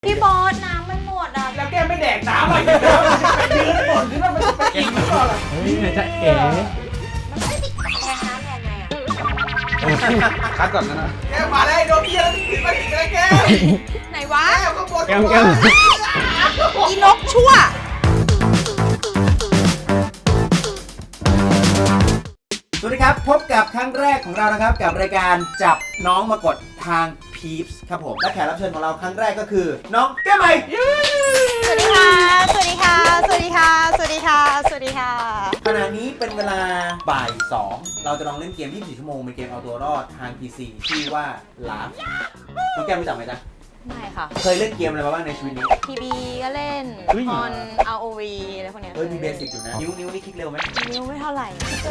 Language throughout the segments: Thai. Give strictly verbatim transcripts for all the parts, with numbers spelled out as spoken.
พี่บอสน้ำมันหมดอ่ะแล้วแกไม่แดกน้ำอะไรกันแล้วมันจะไปยืนหมดหรือว่ามันจะไปกินหรือเปล่าล่ะเฮ้ยไหนจะเอ๋มันไม่ติดแทงน้ำแทนไงอ่ะคัดก่อนนะแกมาได้โดนเบี้ยแล้วถึงมาถึงแล้วแกไหนวะแกก็ปวดแก้มแก้มอีนกชั่วสวัสดีครับพบกับครั้งแรกของเรานะครับกับรายการจับน้องมากดทางพีพส์ครับผมและแขกรับเชิญของเราครั้งแรกก็คือน้องแก้มใหม่สวัสดีค่ะสวัสดีค่ะสวัสดีค่ะสวัสดีค่ะสวัสดีค่ะขณะนี้เป็นเวลาบ่ายสองเราจะลองเล่นเกมยี่สิบสี่ชั่วโมงเป็นเกมเอาตัวรอดทาง พี ซี ชื่อว่า Laugh น้องแก้มรู้จักไหมจ๊ะไม่ค่ะเคยเล่นเกมอะไรมาบ้างในชีวิตนี้ทีบีก็เล่นออน อาร์ โอ วี อะไรพวกเนี้ยเฮ้ยมีเบสิกอยู่นะนิ้วนิ้วนี่คลิกเร็วไหมนิ้วไม่เท่าไหร่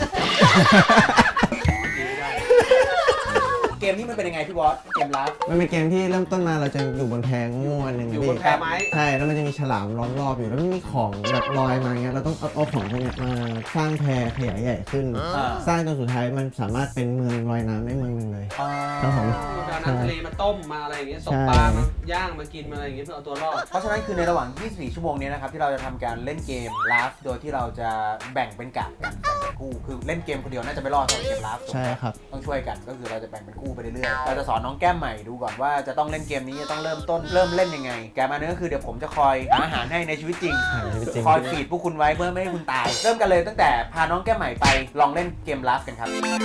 เกมนี้มันเป็นยังไงพี่บอสเกมLaugh มันเป็นเกมที่เริ่มต้นมาเราจะอยู่บนแพงูอันหนึ่งอยู่บนแพไม้ใช่แล้วมันจะมีฉลามล้อมรอบอยู่แล้วมันมีของแบบลอยมาเงี้ยเราต้องเอาเอาของพวกเนี้ยมาสร้างแพขยายใหญ่ขึ้น สร้างจนสุดท้ายมันสามารถเป็นเมืองลอยน้ำได้เมืองหนึ่งเลยครับผมเอาน้ำทะเลมาต้มมาอะไรอย่างเงี้ยตกปลามาย่างมากินมาอะไรอย่างเงี้ยเพื่อเอาตัวรอดเพราะฉะนั้นคือในระหว่างยี่สิบสี่ชั่วโมงนี้นะครับที่เราจะทำการเล่นเกม Laugh โดยที่เราจะแบ่งเป็นกะกันแบ่งเป็นคู่คือเล่นเกมคนเดียวน่าจะไม่รอดเท่าเกมLaugh ใช่ครับต้องช่วยกันก็คือเราจะแบ่งเป็นคู่ไปเรื่อยๆเราจะสอนน้องแก้มใหม่ดูก่อนว่าจะต้องเล่นเกมนี้จะต้องเริ่มต้นเริ่มเล่นยังไงแกมาเนื้อคือเดี๋ยวผมจะคอยหาอาหารให้ในชีวิตจริงคอยฟีดพวกคุณไว้เพื่อไม่ให้คุณตายเริ่มกันเลยตั้งแต่พาน้องแก้มใหม่ไปลองเล่นเกมLaughกันครับ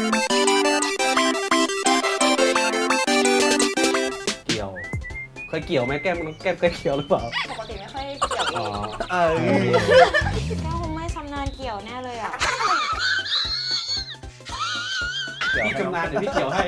เกี่ยวเคยเกี่ยวไหมแก้มแก้มเคยเกี่ยวหรือเปล่าปกติไม่ค่อยเกี่ยวเองเออแก้วคงไม่ชำนาญเกี่ยวแน่เลยอ่ะพี่ชำนาญเดี๋ยวพี่เกี่ยวให้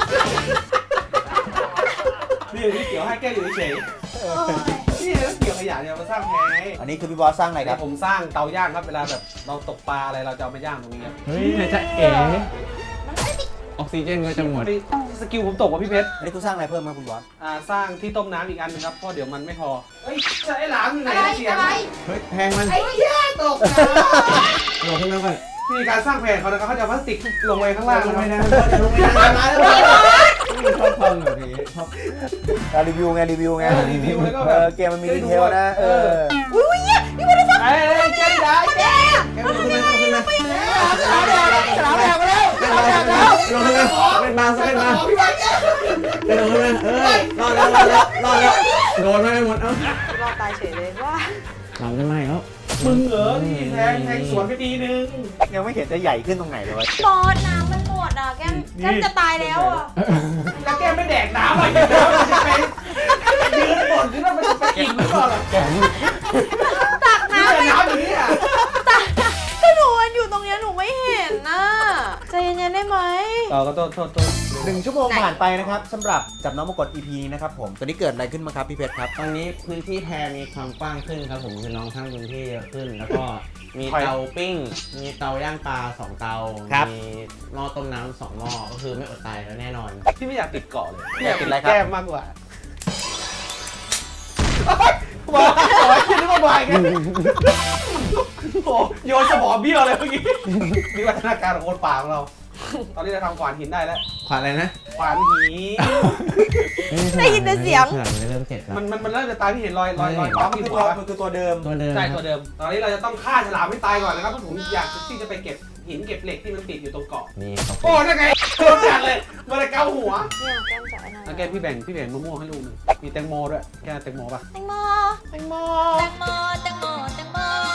นี่พี่เกี่ยวให้แก้อยู่เฉยนี่แล้วเกี่ยวขยะเนี่ยมาสร้างแพอันนี้คือพี่บอสสร้างอะไรครับผมสร้างเตาย่างครับเวลาแบบเราตกปลาอะไรเราจะเอามาย่างตรงนี้ครับเฮ้ยไหนจะเอ๋ออกซิเจนก็จะหมดสกิลผมตกว่ะพี่เพชรอันนี้คุณสร้างอะไรเพิ่มครับคุณบอสอ่าสร้างที่ต้มน้ำอีกอันนึงครับเพราะเดี๋ยวมันไม่พอเฮ้ยไอ้หลามอยู่ไหนเสียงเฮ้ยแพงมันไอ้เหี้ยตกนะลงขึ้นมาก่อนวิธีการสร้างแผนเขานะครับเขาจะพลาสติกลงไปข้างล่างลงไปนะนะลงไปนะมาแล้วชอบความแบบนี้ชอบรีวิวไงรีวิวไงรีวิวแล้วก็เอแบบอเกมมันมีดีเทลนะเอออุ้ยนี่มันจะไอ้แก้ได้แก้แกลงขึ้นมาขึ้นมาสลาวแดงสลาวแดงมาแล้วสลาวแดงแล้วลงขึ้นมาเป็นมาเป็นมาพี่บอลแก้เป็นลงขึ้นมาเออรอดแล้วรอดแล้วรอดแล้วโดนไม่หมดเอ้ารอดตายเฉยเลยว่าหลังจะไหมแล้วมึงเหรอนี่แทงแทงสวนไปทีนึงยังไม่เห็นจะใหญ่ขึ้นตรงไหนเลยบอสน้ำมันหมดอ่ะแก้มแก้มจะตายแล้วอ่ะแล้วแกไม่แดกน้ำอะไรกันแล้วมันจะไปยืนหมดหรือว่ามันจะไปกินหรือเปล่าล่ะตักนี่น้ำแต่ไปน้ำอย่างนี้อ่ะตักก็หนูมันอยู่ตรงเนี้ยหนูไม่เห็นนะใจเย็นๆได้ไหมต่อก็โทษโทษโทษหนึ่งชั่วโมงผ่านไปนะครับสำหรับจับน้องมากด อี พี นี้นะครับผมตอนนี้เกิดอะไรขึ้นมาครับพี่เพชรครับตอนนี้พื้นที่แพรมีความกว้างขึ้นครับผมคือน้องสร้างพื้นที่เยอะขึ้น แล้วก็มีเตาปิ้ง มีเตาย่างปลาสองเตา มีหม้อต้มน้ำสองหม้อก็คือไม่อดตายแล้วแน่นอนพี่ไม่อยากติดเกาะเลยอยากติดอะไรครับแก้มมากกว่าว้าวขอให้คิดว่าบ่ายกันโอ้โยนสมองเบี้ยวเลยเมื่อกี้นี่วัฒนาการของคนป่าของเรา ตอนนี้เราทำขวานหินได้แล้วขวานอะไรนะขวานหินได้ยินแต่เสียงขวานไม่เริ่มเสร็จแล้วมันมันมันเริ่มจะตายพี่เห็นรอยรอยรอยอ๋อปั๊มมันอคืยู่อหัตัววมันคือตัวเดิมตัวเดิมใช่ตัวเดิม ตอนนี้เราจะต้องฆ่าฉลามให้ตายก่อนนะครับเพราะผมอยากที่จะไปเก็บหินเก็บเหล็กที่มันติดอยู่ตรงเกาะนี่ขอบคุโอ้ณนั่นไงโดนจัดเลยมาเลยเกาหัวเนี่ยแก้มจะอันนั้นแล้วแกพี่แบ่งพี่แบ่งมะม่วงให้ลูกหนึงมีแตงโมด้วยแกแตงโมป่ะแตงโมแตงโมแตงโมแตงโมแตงโม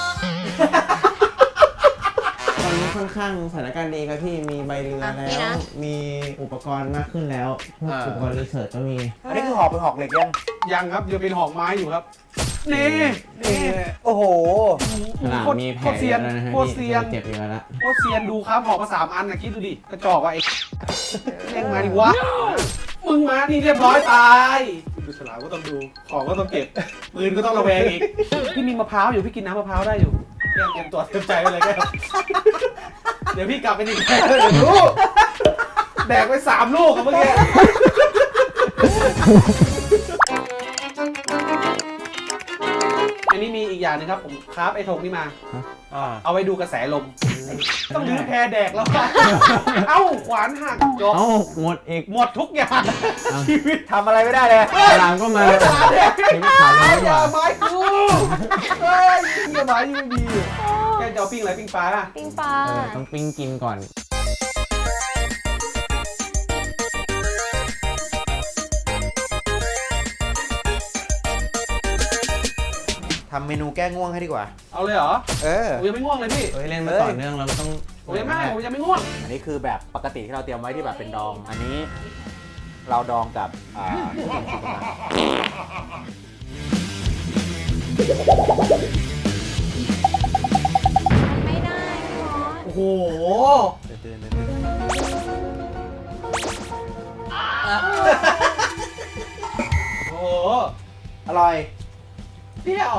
ตอนนี้ค่อนข้างสถานการณ์ดีครับพี่ มีใบเรือแล้ว มีอุปกรณ์มากขึ้นแล้วพวกอุปกรณ์รีเสิร์ชก็มีอันนี้คือหอกเป็นหอกเหล็กยังยังครับยังเป็นหอกไม้อยู่ครับนี่นี่โอ้โหขนาดโคตรมีแผโคลตรเซียนแล้วนะฮะโคตรเซียนเจ็บเยอะแล้วโคตรเซียนดูครับหอกมาสามอันนะคิดดูดิกระจอกว่ะไอ้เล่งมาดิวะมึงมานี่เรียบร้อยตายดูฉลามก็ต้องดูของก็ต้องเก็บปืนก็ต้องระแวงอีกพี่มีมะพร้าวอยู่พี่กินน้ำมะพร้าวได้อยู่แก้มเตรียมตัวเตรียมใจไว้เลยแก้มเดี๋ยวพี่กลับไปอีกแก้มเดี๋ยวดูแดกไปสามลูกครับเมื่อกี้อันนี้มีอีกอย่างนึงครับผมคราฟไอ้ธงนี่มาเอาไว้ดูกระแสลมต้องรื้อแพแดกแล้วเอ้าขวานหักจบเอ้าหมดอีกหมดทุกอย่างชีวิตทำอะไรไม่ได้เลยฉลามก็มาฉลามเนี่ยชีวิตขาดเลยอย่าว่ะไม้กูเฮ้ยอย่าไม้ยังไม่มีแกจะเอาปิ้งอะไรปิ้งปลาปิ้งปลาเออต้องปิ้งกินก่อนทำเมนูแก้ง่วงให้ดีกว่าเอาเลยเหรอเออผมยังไม่ง่วงเลยพี่เฮ้ยเล่นมาต่อเนื่องเราต้องผมยังไม่ผมยังไม่ง่วงอันนี้คือแบบปกติที่เราเตรียมไว้ที่แบบเป็นดอง อันนี้เราดองกับอ่าน้ำซุปนะไม่ได้พี่บอสโอ้โหเตือนๆโอ้โหอร่อยเปรี้ยว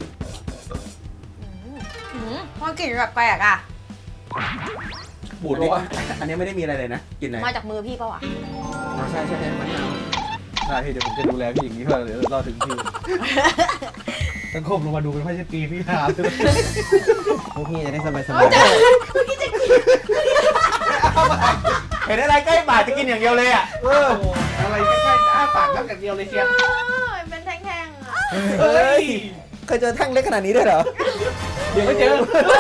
อืมมันกลิ่นแบบแปลกๆอ่ะบูดเลยวะอันนี้ไม่ได้มีอะไรเลยนะ กินไหนมาจากมือพี่ปะวะอ๋อใช่ใช่ใช่มันหนาวได้พี่เดี๋ยวผมจะดูแลพี่อย่างนี้เพื่อเดี๋ยวรอถึงพี่สังคมลงมาดูเป็นพ่อเชตีพี่หาเลยพวกพี่จะได้สบายสเอ้บาย ยจะเมื่อกี้จะกินเห็นอะไรใกล้ปากจะกินอย่างเดียวเลยอ่ะเอออะไรใกล้ๆอ้าปากน้ำกัดเดียวเลยเชียวเป็นแท่งๆอ่ะเฮ้ยเคยเจอแท่งเล็กขนาดนี้ด้วยเหรอเดี๋ยวไม่เจอ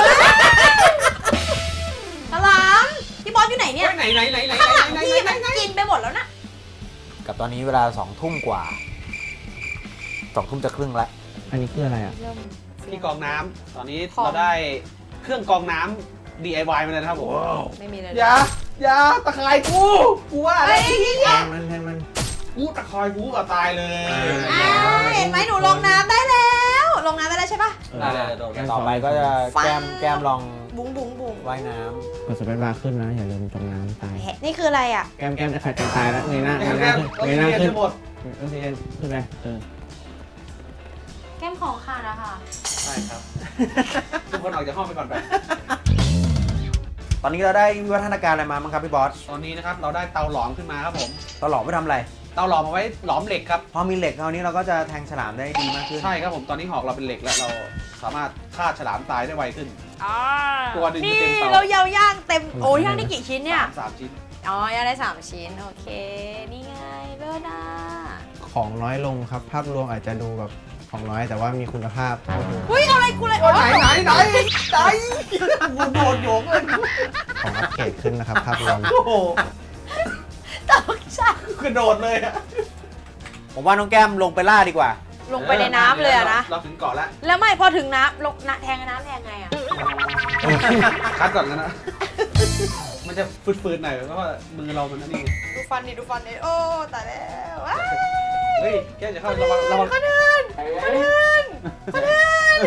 ฉลามพี่บอสอยู่ไหนเนี่ยไหนไหนไหนไหนข้างหลังไหนพี่ไหนมันไหนกินไปหมดแล้วนะกับตอนนี้เวลาสองทุ่มกว่าสองทุ่มจะครึ่งละอันนี้คืออะไรอ่ะเริ่มที่กรองน้ำตอนนี้ของเราได้เครื่องกรองน้ำ ดี ไอ วาย มาเลยนะครับผมไม่มีเลยอย่าอย่าตะไคร่กูกูว่าอะไรเฮ้ยแทงมันแทงมันกูตะไคร่กูก็ตายเลยอ้าวเห็นไหมหนูลงน้ำได้แล้วลงน้ำได้แล้วใช่ปะได้เลยโดนต่อไปก็จะแก้มแก้มลองบุ้งบุ้งบุ้งว่ายน้กดสเปซบาร์ขึ้นนะอย่าลืมจมน้ำตายแหะนี่คืออะไรอ่ะแก้มแก้มจะขาดใจตายแล้วเงยหน้าเงยหแก้น้าม ขึ้นแก้มเงยหน้าขึ้นหมดออกซิเจนขึ้นไปเออแก้มของขาดอะค่ะใช่ครับทุกคนออกจากห้องไปก่อนไปำตอนนี้เราได้วิวัฒนาการอะไรมาบ้างครับพี่บอสตอนนี้นะครับเราได้เตาหลอมขึ้นมาครับผมเราหลอมไปทำอะไรเตาหลอมเอาไว้หลอมเหล็กครับพอมีเหล็กคราวนี้เราก็จะแทงฉลามได้ดีมากขึ้นใช่ครับผมตอนนี้หอกเราเป็นเหล็กแล้วเราสามารถฆ่าฉลามตายได้ไวขึ้น ตัวหนึ่งนี่เต็มเตาเรายาวย่างเต็มโอ้ยย่างได้กี่ชิ้นเนี่ยสามสามชิ้นอ๋อย่างได้สามชิ้นโอเค นี่ไงเลิศอ่ะของน้อยลงครับ ภาพรวมอาจจะดูแบบของน้อยแต่ว่ามีคุณภาพอุ้ยเอาอะไรกูเลยไหนไหนไหนไหนกูโดนโยงเลยของอัปเกรดขึ้นนะครับ ภาพรวมโอ้โหตกใจกระโดดเลยอะผมว่าน้องแก้มลงไปล่าดีกว่าลงไปในน้ำเลยอะนะเราถึงเกาะแล้วแล้วไม่พอถึงน้ำลงน้ำแทงน้ำแทงไงอะคัดก่อนกันนะ มันจะฟืดๆหน่อยเพราะว่ามือเรามันนั่นนี่ไงดูฟันดิดูฟันดิโอ้ตายแล้วว้ายเฮ้ยแกจะเข้าระวังระวังคนอื่นคนอื่นคนอื่น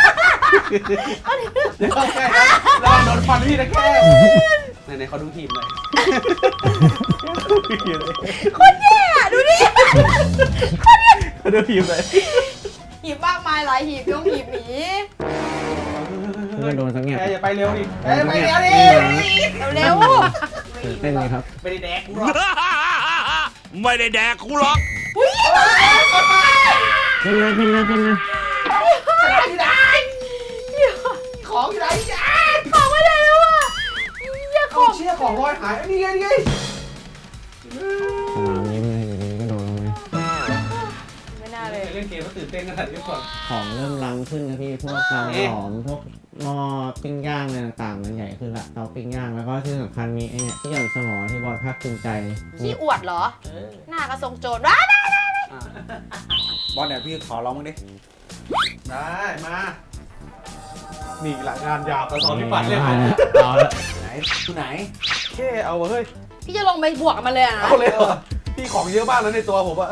เดี๋ยวเข้าใกล้นะระวังโดนฟันพี่นะแกไหนๆเขาดูทีมหน่อยคนแย่อะดูดิเขาดูทีมเลยหีบมากมายหลายหีบยงหีบหมีเพื่อนโดนสักเงียบแกอย่าไปเร็วดิแกอย่าไปเร็วดิเร็วตื่นเต้นเลยครับไม่ได้แดกกูหรอกไม่ได้แดกกูหรอกๆอุ้ยขึ้นเลยขึ้นเลยขึ้นเลยอยู่ไหนของอยู่ไหนจ้าของไม่ได้แล้วอะอย่าขขออง งเชี่ยของลอยหายนี่ไงนี่ไงสนามยิ้มเลยอยู่ดีก็โดนลงเลยไม่น่าเลยเล่นเกมก็ตื่นเต้นขนาดนี้ก่อนของเริ่มล้ำขึ้นนะพี่พวกเตาหลอมพวกหม้อปิ้งย่างอะไรต่างๆมันใหญ่ขึ้นละเตาปิ้งย่างแล้วก็ที่สำคัญมีไอ้เนี่ยที่หย่อนสมอที่บอลภาคภูมิใจขี้อวดเหรอ หน้ากระทรงโจรว้าได้อ่ะบอสเนี่ยพี่ขอร้องมึงดิได้มา นี่หลังงานยาวแต่ตอนที่ปัดเล่นเอาละไหนอยู่ไหนแค่เอาเฮ้ยพี่จะลงไปบวกกับมันเลยอะนะเอาเลยเหรอพี่ของเยอะมากแล้วในตัวผมอะ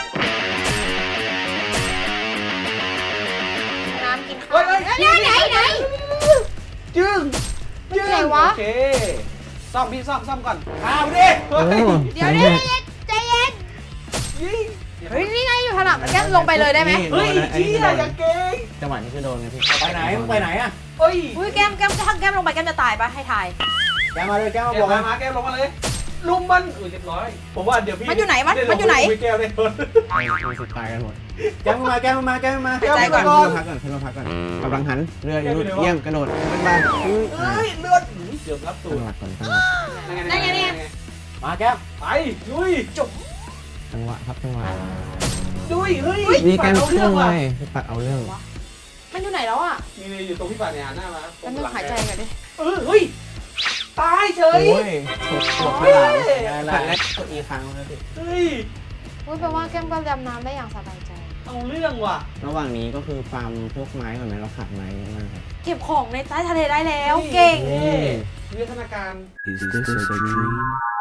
น้ำกินข้าเฮ้วยเฮ้ยไหนไหนไหนจึ้งจึ้งไหนวะโอเคซ่อมพี่ซ่อมซ่อมก่อนอ้าวดิโอ้เดี๋ยวเดี๋ยวเย็นใจเย็นยิงเฮ้ยนี่ไงอยู่ถนัดมันแก้มลงไปเลยได้ไหมเฮ้ยเชี่ยอย่าเก่งจังหวะนี้คือโดนไงพี่ไปไหนมึงไปไหนอะเฮ้ยอุ้ยแก้มแก้มถ้าแก้มลงไปแก้มจะตายปะให้ทายแกมาเลยแกมาแกบวกมากันมาแกลงมาเลยลุมมันอุ้ยเรียบร้อยผมว่าเดี๋ยวพี่มันอยู่ไหนวะมันอยู่ไหนไม่แก้วได้คนมีสิทธิ์ตายกันหมดแก้มมาแก้มมาแก้มมาหายใจก่อนขึ้นมาพักก่อนขึ้นมาพักก่อนกำลังหันเรืออยู่เยี่ยมกระโดดขึ้นมาอุ้ยเฮ้ยเลือดเกือบรับตูตั้ดงหลักก่อนตั้งหลักได้ไงเนี่ยมาแก้มไปลุยจบจังหวะครับจังหวะลุยเฮ้ยมีแก้มเอาเครื่เรื่ออง งเลว่ะยพี่ปัดเอาเรื่องมันอยู่ไหนแล้วอ่ะมีเลยอยู่ตรงพี่ปัดเนี่ยหันหน้ามาแล้วนึกหายใจก่อนดิเออเฮ้ยตายเฉยโอ้ยถูกถูกขนาดได้ละกดอีครั้งแล้วพี่เฮ้ยอุ้ยแปลว่าแก้มก็ดำน้ำได้อย่างสบายใจเอาเรื่องว่ะระหว่างนี้ก็คือฟาร์มพวกไม้ก่อนไหมเราขาดไม้เยอะมากครับเก็บของในใต้ทะเลได้แล้ว เก่งนี่วิทยาการ Is this a dream?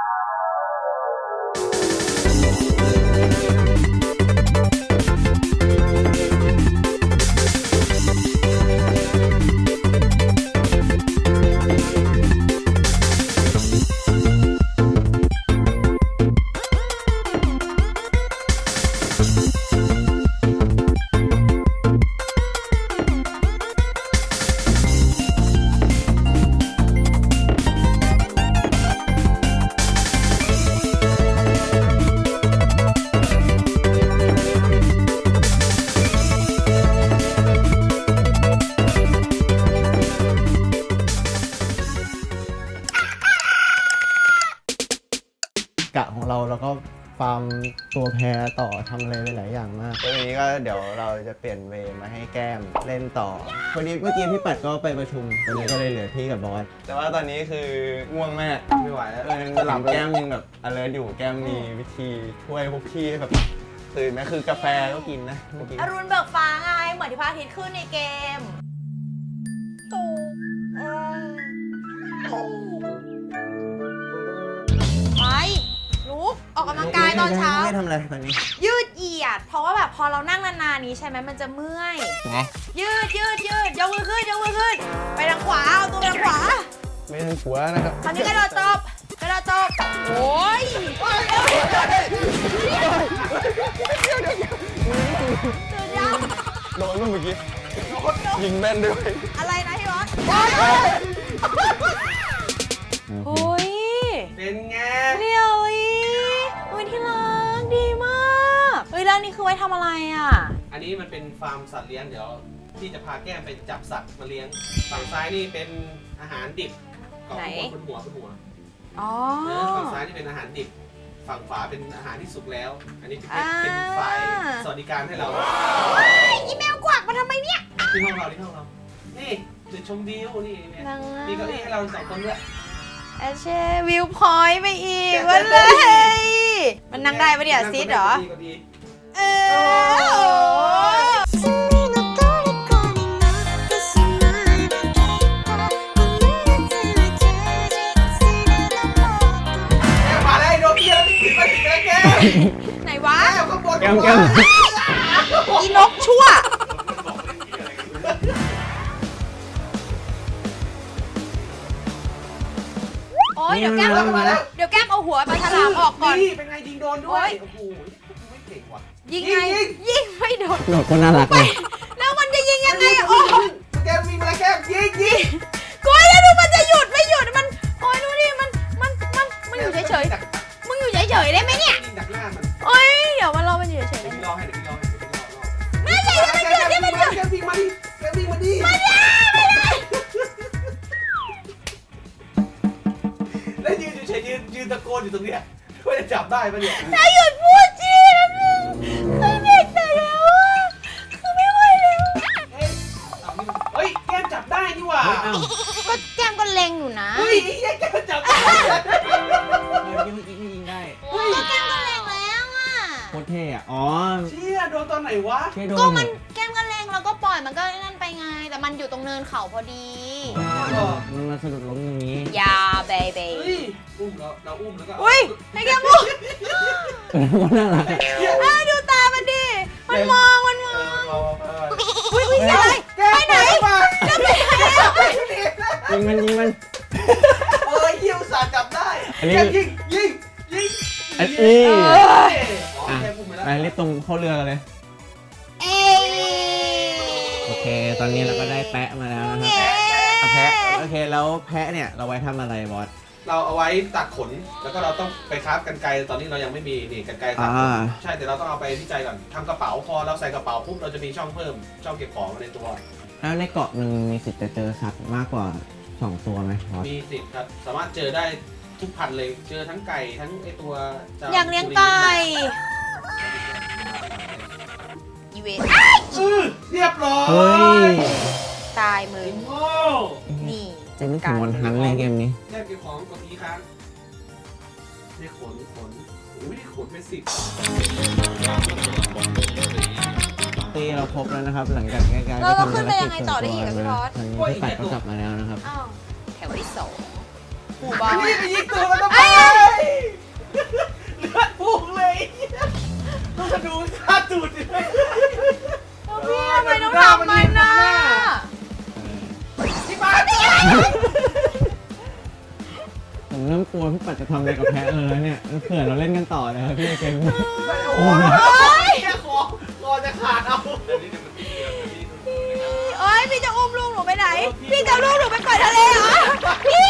กะของเราแล้วก็ฟาร์มตัวแพรต่อทำอะไรหลายอย่างมากวันนี้ก็เดี๋ยวเราจะเปลี่ยนเวย์มาให้แก้มเล่นต่อวันนี้เมื่อกี้พี่ปัดก็ไปประชุมวันนี้ก็เลยเหลือที่กับบอสแต่ว่าตอนนี้คือง่วงมากไม่ไหวแล้วเออหลับแก้มยังแบบ alert อยู่แก้มมีวิธีช่วยพวกพี่แบบตื่นไหมคือกาแฟก็กินนะเมื่อกี้อรุณเบิกฟ้าไง เหมือนที่พระอาทิตย์ขึ้นในเกมตูเออไปลุกออกกำลังกายตอนเช้าไม่ทำอะไรตอนนี้ยืดเหยียด เพราะว่าแบบพอเรานั่งนานๆนี้ใช่ไหมมันจะเมื่อยไงยืดยืดยืดยกมือขึ้นยกมือขึ้น ไปทางขวา เอาตัวไปทางขวาไม่ทำหัวนะครับคราวนี้กระโดดตบกระโดดตบโอ้ยตื่นยังโดนเมื่อกี้ยิงแม่นด้วยอะไรนะพี่บอสโอ้ยเป็นไงเรียวอีโอ้ยที่รักดีมากเฮ้ยแล้วนี่คือไว้ทำอะไรอ่ะอันนี้มันเป็นฟาร์มสัตว์เลี้ยงเดี๋ยวที่จะพาแก้มไปจับสัตว์มาเลี้ยงฝั่งซ้ายนี่เป็นอาหารดิบกล่องไหนบนหัวบนหัวอ๋อเออฝั่งซ้ายนี่เป็นอาหารดิบฝั่งขวาเป็นอาหารที่สุกแล้ว อันนี้เป็นอ่าเป็นฝ่ายสวัสดิการให้เราอีเมลกวักมาทำไมเนี่ยที่ห้องเราที่ห้องเรานี่จุดชมวิวนี่เนี่ยนั่งมีเก้าอี้ให้เราสองคนด้วยแอชเช่วิวพอยต์ไปอีกวันเลย มันนั่งได้ปะเนี่ยซีดเหรอก็ดีเออมาแล้วโดนเพี้ยนติดมาติดแล้วแกไหนวะแก้วข้างบนแก้มแก้มอีนกชั่ว โอ้ยเดี๋ยวแก้มมาแล้วเดี๋ยวแก้มเอาหัวปลาฉลามออกก่อนนี่เป็นไงยิงโดนด้วยโอ๊ยโอ้โหไม่เก่งว่ะยิงไง ยิงไม่โดนโดดก็น่ารักเลยแล้วมันจะยิงยังไงอะโอ้ยแกวิ่งมาแล้วแกยิงยิงกูแล้วดูมันจะหยุดไม่หยุดมัน โอ้ยดูดิมัน มัน มัน มันอยู่เฉยๆ มึงอยู่เฉยๆได้ไหมเนี่ยยิงดักหน้ามันโอ้ยเดี๋ยวมันรอมันอยู่เฉยๆเดี๋ได้ยวไหมพี่รอให้เดี๋ยวพี่รอให้เดี๋ยวพี่รอรอไม่ใช่ให้มันหยุดให้มันหยุดแกวิ่งมาดิแกวิ่งมาดิไม่ได้ไม่ได้แล้วยืนอยู่เฉยยืนยืนตะโกนอยู่ตรงเนี้ยว่าจะจับได้ปะเนี่ยถ้าหยุดพูดจีนะนึงคือเด็กแต่แล้วอะคือไม่ไหวแล้วเฮ้ยเอานี่เฮ้ยแกจับได้นี่หว่าก็แก้มก็เล็งอยู่นะเฮ้ยไอ้แกจับได้ยิงยิงยิงได้ก็แก้มก็เล็งแล้วอะโคตรเท่อะอ๋อเชี่ยโดนตอนไหนวะเท่โดก็นมันแก้มก็เล็งแล้วก็ปล่อยมันก็นั่นไปไง แต่มันอยู่ตรงเนินเขาพอดีมันมาสะดุดล้มตรงนี้ยาเบบีเฮ้ยอุ้มเราเราอุ้มแล้วก็อุ้ยให้แก้มมุกก็น่ารักเอ้ยดูตามันดิ มันมองมันมเอองอเอาเอาเอาอุ้ยอุ้ยอะไรไปไหนจะไปไหนอะยิงมันยิงมันเออเหี้ยอุตส่าห์จับได้อันนี้แกยิงยิงยิงอันนี้เอออ่ะแกพุ่งไปแล้วไปรีบตรงเข้าเรือกันเลยเอ้ยโอเค ตอนนี้เราก็ได้แปะมาแล้วนะครับเย้เอาแพะ โอเค แล้วแพะเนี่ยเราไว้ทำอะไรบอสเราเอาไว้ตัดขนแล้วก็เราต้องไปคราฟกันไกรตอนนี้เรายังไม่มีนี่กันไกรตัดขนอ่าใช่แต่เราต้องเอาไปวิจัยก่อนทำกระเป๋าพอเราใส่กระเป๋าปุ๊บเราจะมีช่องเพิ่มช่องเก็บของในตัวแล้วในเกาะหนึ่งมีสิทธิ์จะเจอสัตว์มากกว่าสองตัวไหมบอสมีสิทธิ์ครับสามารถเจอได้ทุกพันธุ์เลยเจอทั้งไก่ทั้งไอตัวจ้อยากเลี้ยงไก่ อีเวนอื้อเรียบร้อยเฮ้ยตายมึไอ้งโง่นี่จะนึกถึงวันฮันเลยเกมนี้แค่เก็บของกดทีครั้งได้ขนขนอุ้ยขนเป็นสิบตีเราครบแล้วนะครับ หลังจากแก้การเราเราขึ้นไปยังไงต่อได้อีกอะพี่บอสตอนนี้พี่ปัดก็กลับมาแล้วนะครับอ้าวแถวที่สองหมู่บ้าอันนนี้ไปยิงตัวมันทำไมเลือดพุ่งเลยต้องมาดูค่าตูดดิพี่ทำไมต้องทำมันน่ะที่บ้านผมเริ่มกลัวพี่ปัดจะทำอะไรกับแพะเลยแล้วเนี่ยเผื่อเราเล่นกันต่อนะครับพี่เกมโอ้ยแค่คอคอจะขาดเอาเอ้ยพี่จะอุ้มลูกหนูไปไหน พี่จะเอาลูกหนูไปปล่อยทะเลเหรอ พี่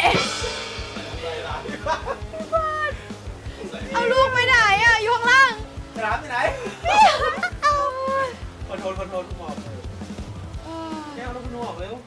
เอาลูกไปไหนอ่ะอยู่ข้างล่างสนามที่ไหนพี่เอาคอนโทรลคอนโทรลคุณหมอบแก้วแล้วคุณหมอบเร็ว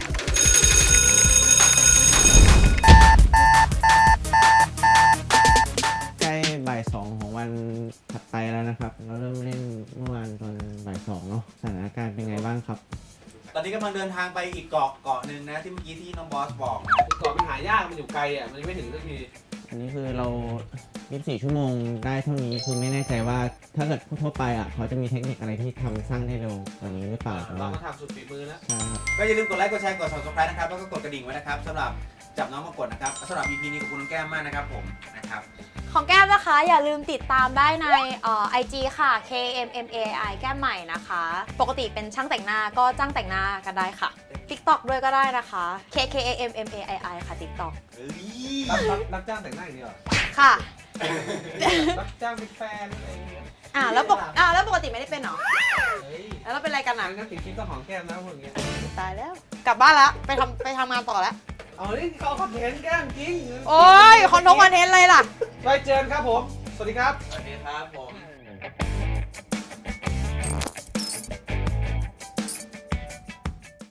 ใกล้บ่ายสองของวันถัดไปแล้วนะครับ เราเริ่มเล่นเมื่อวานตอนบ่ายสองเนาะสถานการณ์เป็นไงบ้างครับตอนนี้กำลังเดินทางไปอีกเกาะเกาะหนึ่งนะที่เมื่อกี้ที่น้องบอสบอกนะเกาะมันหายากมันอยู่ไกลอ่ะมันยังไม่ถึงสักทีอันนี้คือเรายี่สิบสี่ชั่วโมงได้เท่านี้คือไม่แน่ใจว่าถ้าเกิดทั่วไปอ่ะเขาจะมีเทคนิคอะไรที่ทำสร้างได้เร็วกว่านี้หรือเปล่าแต่เราว่าก็ทำสุดฝีมือแล้วใช่ครับก็อย่าลืมกดไลค์กดแชร์กด ซับสไครบ์ นะครับแล้วก็กดกระดิ่งไว้นะครับสำหรับจับน้องมากดนะครับสำหรับ อี พี นี้ขอบคุณน้องแก้มมากนะครับผมนะครับของแก้มนะคะ อย่าลืมติดตามได้ในเอ่อ ไอ จี ค่ะ เค เอ็ม เอ็ม เอ ไอ แก้มใหม่นะคะ ปกติเป็นช่างแต่งหน้าก็จ้างแต่งหน้ากันได้ค่ะ TikTok ด้วยก็ได้นะคะ K K A M M A I I ค่ะ TikTok เฮ้ยรับรับรับจ้างแต่งหน้าอย่างเดียวเหรอค่ะรับจ้างเป็นแฟนอะไรอย่างเงี้ยอ่าแล้วปกอ่าแล้วปกติไม่ได้เป็นเหรอเฮ้ยแล้วเราเป็นอะไรกันอ่ะงั้นติดคลิปต้องหอมแก้มนะพวกเงี้ยตายแล้ว กลับบ้านแล้ว ไปทำไปทำงานต่อแล้วเอานี่เขาคอนเทนต์แก้มจริงโอ้ยคอนโทรคอนเทนต์อะไรล่ะไว้เจอกันครับผม สวัสดีครับสวัสดีครับผม